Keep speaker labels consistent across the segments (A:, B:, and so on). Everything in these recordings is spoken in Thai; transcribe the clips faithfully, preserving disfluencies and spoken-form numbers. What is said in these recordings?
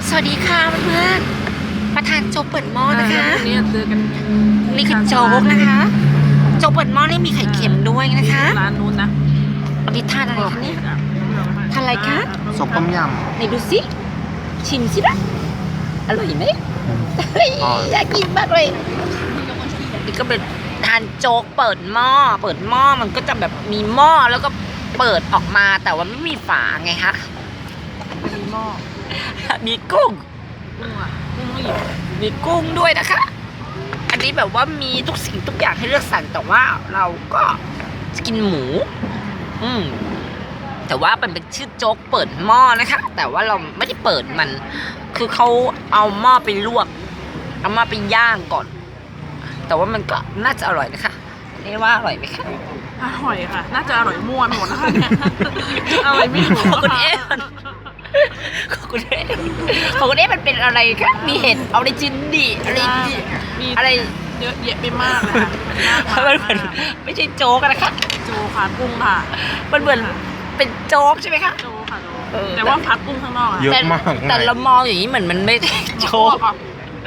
A: สวัสดีค่ะเพื่อนๆประธานโจ๊กเปิดหม้อนะคะ
B: วันนี้เจอกัน
A: นี่คือโจ๊กนะคะโจ๊กเปิดหม้อนี่มีไข่เค็มด้วยนะคะ
B: ร้านนู้นนะ
A: วันนี้ทานอะไรคะเนี่ยทานอะไรคะ
C: ซุปต้มย
A: ไหนดูสิชิมสิละอร่อยไหมเฮ้ยอยากกินมากเลยนี่ก็เป็นทานโจ๊กเปิดหม้อเปิดหม้อมันก็จะแบบมีหม้อแล้วก็เปิดออกมาแต่ว่าไม่มีฝาไงคะ
B: มีหม้อ
A: มีกุ้ง
B: กุ้งอ่ะกุ้งไม่หยิบ
A: มีกุ้งด้วยนะคะ อันนี้แบบว่ามีทุกสิ่งทุกอย่างให้เลือกสรรแต่ว่าเราก็จะกินหมู อืม แต่ว่ามันเป็นชื่อโจ๊กเปิดหม้อนะคะ แต่ว่าเราไม่ได้เปิดมัน คือเขาเอาหม้อไปลวก เอาหม้อไปย่างก่อน แต่ว่ามันก็น่าจะอร่อยนะคะเรียกว่าอร่อยไหมคะ
B: อร่อยค่ะ น่าจะอร่อยม่วนหมดนะคะเนี่ยอร่อยไม่ถูก
A: ขอบคุณเอ๊ะขอบคุณเอ๊ะขอบคุณเอ๊ะมันเป็นอะไรคะมีเห็ดออริจินดีอะไรดี
B: มี
A: อะไร
B: เยอะแยะไปมากเลยค่ะ
A: มันเหมือนไม่ใช่โจ๊กนะคะ
B: โจค่ะกุ้งค่ะ
A: มันเหมือนเป็นโจ๊กใช่ไหมคะ
B: โจค่ะโจ
A: เออ
B: แต่ว่าพัดกุ้งข้างนอกอะ
C: ำเยอะ
A: แต่
C: มาก
A: แต่เรามองอย่างนี้เหมือนมันไม่ใช่โจ๊ก
B: อ่ะ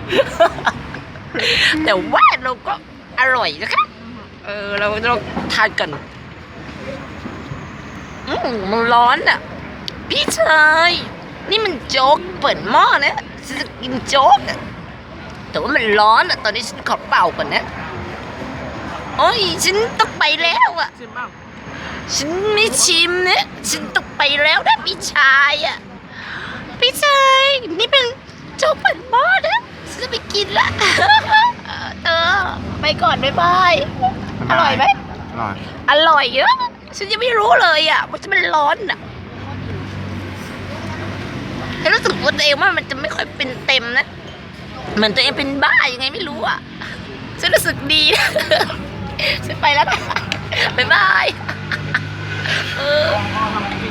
A: แต่ว่าเราก็อร่อยนะคะเออเราเราทานกันอืมมันร้อนอ่ะพี่ชายนี่มันโจ๊กเปิดหม้อนะฉันจะกินโจ๊กอะแต่ว่ามันร้อนอ่ะตอนนี้ฉันขอเป่าก่อนนะโอ้ยฉันต้องไปแล้วอ่ะ
B: ชิมบ้าง
A: ฉันไม่ชิมนะฉันต้องไปแล้วนะพี่ชายอ่ะพี่ชายนี่เป็นโจ๊กเปิดหม้อนะฉันจะไปกินละเออไปก่อนบ๊ายบายอร่อยไหม
C: อร่อย
A: อร่อยเยอะฉันยังไม่รู้เลยอ่ะว่าจะมันร้อนอ่ะฉันรู้สึกว่าตัวเองว่ามันจะไม่ค่อยเป็นเต็มนะเหมือนตัวเองเป็นบ้ายังไงไม่รู้อ่ะฉันรู้สึกดีนะฉันไปแล้วนะบ๊ายบาย